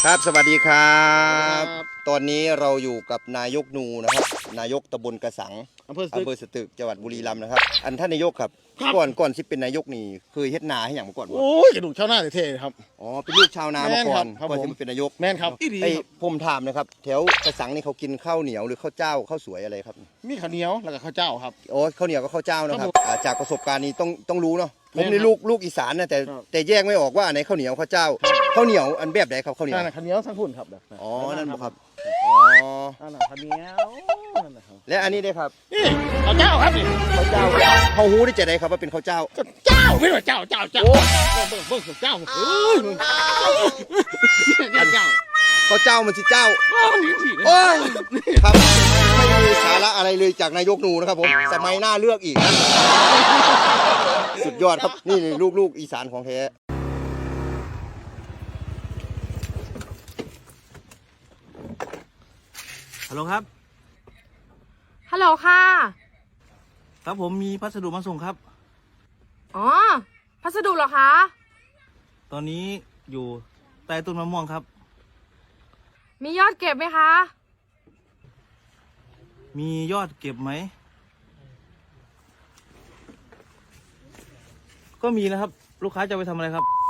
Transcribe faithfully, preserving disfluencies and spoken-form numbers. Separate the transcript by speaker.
Speaker 1: ครับสวัสดีครับตอนนี้เราอยู่กับนายกนูนะครับนายกตำบลกระสัง
Speaker 2: อำเภอส
Speaker 1: อำ
Speaker 2: ตึ
Speaker 1: เภ
Speaker 2: ก
Speaker 1: อสตึกจังหวัดบุรีรัมย์นะครับอันท่านนายกครับ
Speaker 2: ครับ
Speaker 1: ก่อนก่อนที่เป็นนายกนี่เคยเฮ็ดนาให้อย่างมาก่อนบ่
Speaker 2: โอ้ยกระดูกชาวนาเท่ๆครับ
Speaker 1: อ๋อเป็นลูกชาวนามาก่อน
Speaker 2: แม่นครับ
Speaker 1: ก่อน
Speaker 2: ผม
Speaker 1: ที่มาเป็นนายก
Speaker 2: แม่นครับอีดี
Speaker 1: ไอ้
Speaker 2: ครับ
Speaker 1: ผมถามนะครับแถวกระสังนี่เขากินข้าวเหนียวหรือข้าวเจ้าข้าวสวยอะไรครับ
Speaker 2: มีข้าวเหนียวแล้วก็ข้าวเจ้าครับ
Speaker 1: โอ้ข้าวเหนียวกับข้าวเจ้านะครับ
Speaker 2: ครับผม
Speaker 1: อ่าจากประสบการณ์นี้ต้องต้องรู้เนาะผ
Speaker 2: แม่
Speaker 1: ม
Speaker 2: น
Speaker 1: นี่
Speaker 2: ครับ
Speaker 1: ลูกลูกอีสานนะแต่
Speaker 2: ครับ
Speaker 1: แต่แยกไม่ออกว่าอันไหนข้าวเหนียวข้าวเจ้าข้าวเหนียวอันแบบไหนครับข้าวเหนียว
Speaker 2: นั่นน่ะข้าวเหนียวทั้งพุ่นครับ
Speaker 1: อ๋อนั่นบ่ครับอ๋อ
Speaker 2: นั่นน่ะข้าวเหนียวนั่นน่ะครับ
Speaker 1: และอันนี้ได้ครับ
Speaker 2: นี่ข้าวเจ้าครับนี่
Speaker 1: ข้าวเจ้าเขาหูได้จะได้ครับว่าเป็นข้าวเจ้า
Speaker 2: ก็เจ้าไม่ใช่เจ้าเจ้าเจ้า
Speaker 1: โอ้
Speaker 2: เบิ่งเบิ่งเบิ่งเจ้าเอ้ยมึงเจ้าเจ้า
Speaker 1: ข้าวเจ้ามันสิเจ้า
Speaker 2: โอ้ยนี่สิ
Speaker 1: โอ้ยครับไม่มีสาระอะไรเลยจากนายกหนูนะครับผมสมัยหน้าเลือกอีกนะสุดยอดครับนี่ลูกลูกอีสานของแท้ฮัลโหลครับ
Speaker 3: ฮัลโหลค่ะ
Speaker 1: ครับผมมีพัสดุมาส่งครับ
Speaker 3: อ๋อ พัสดุเหรอคะ
Speaker 1: ตอนนี้อยู่ใต้ต้นมะม่วงครับ
Speaker 3: มียอดเก็บไหมคะ
Speaker 1: มียอดเก็บไหมก็มีนะครับ ลูกค้าจะไปทำอะไรครับ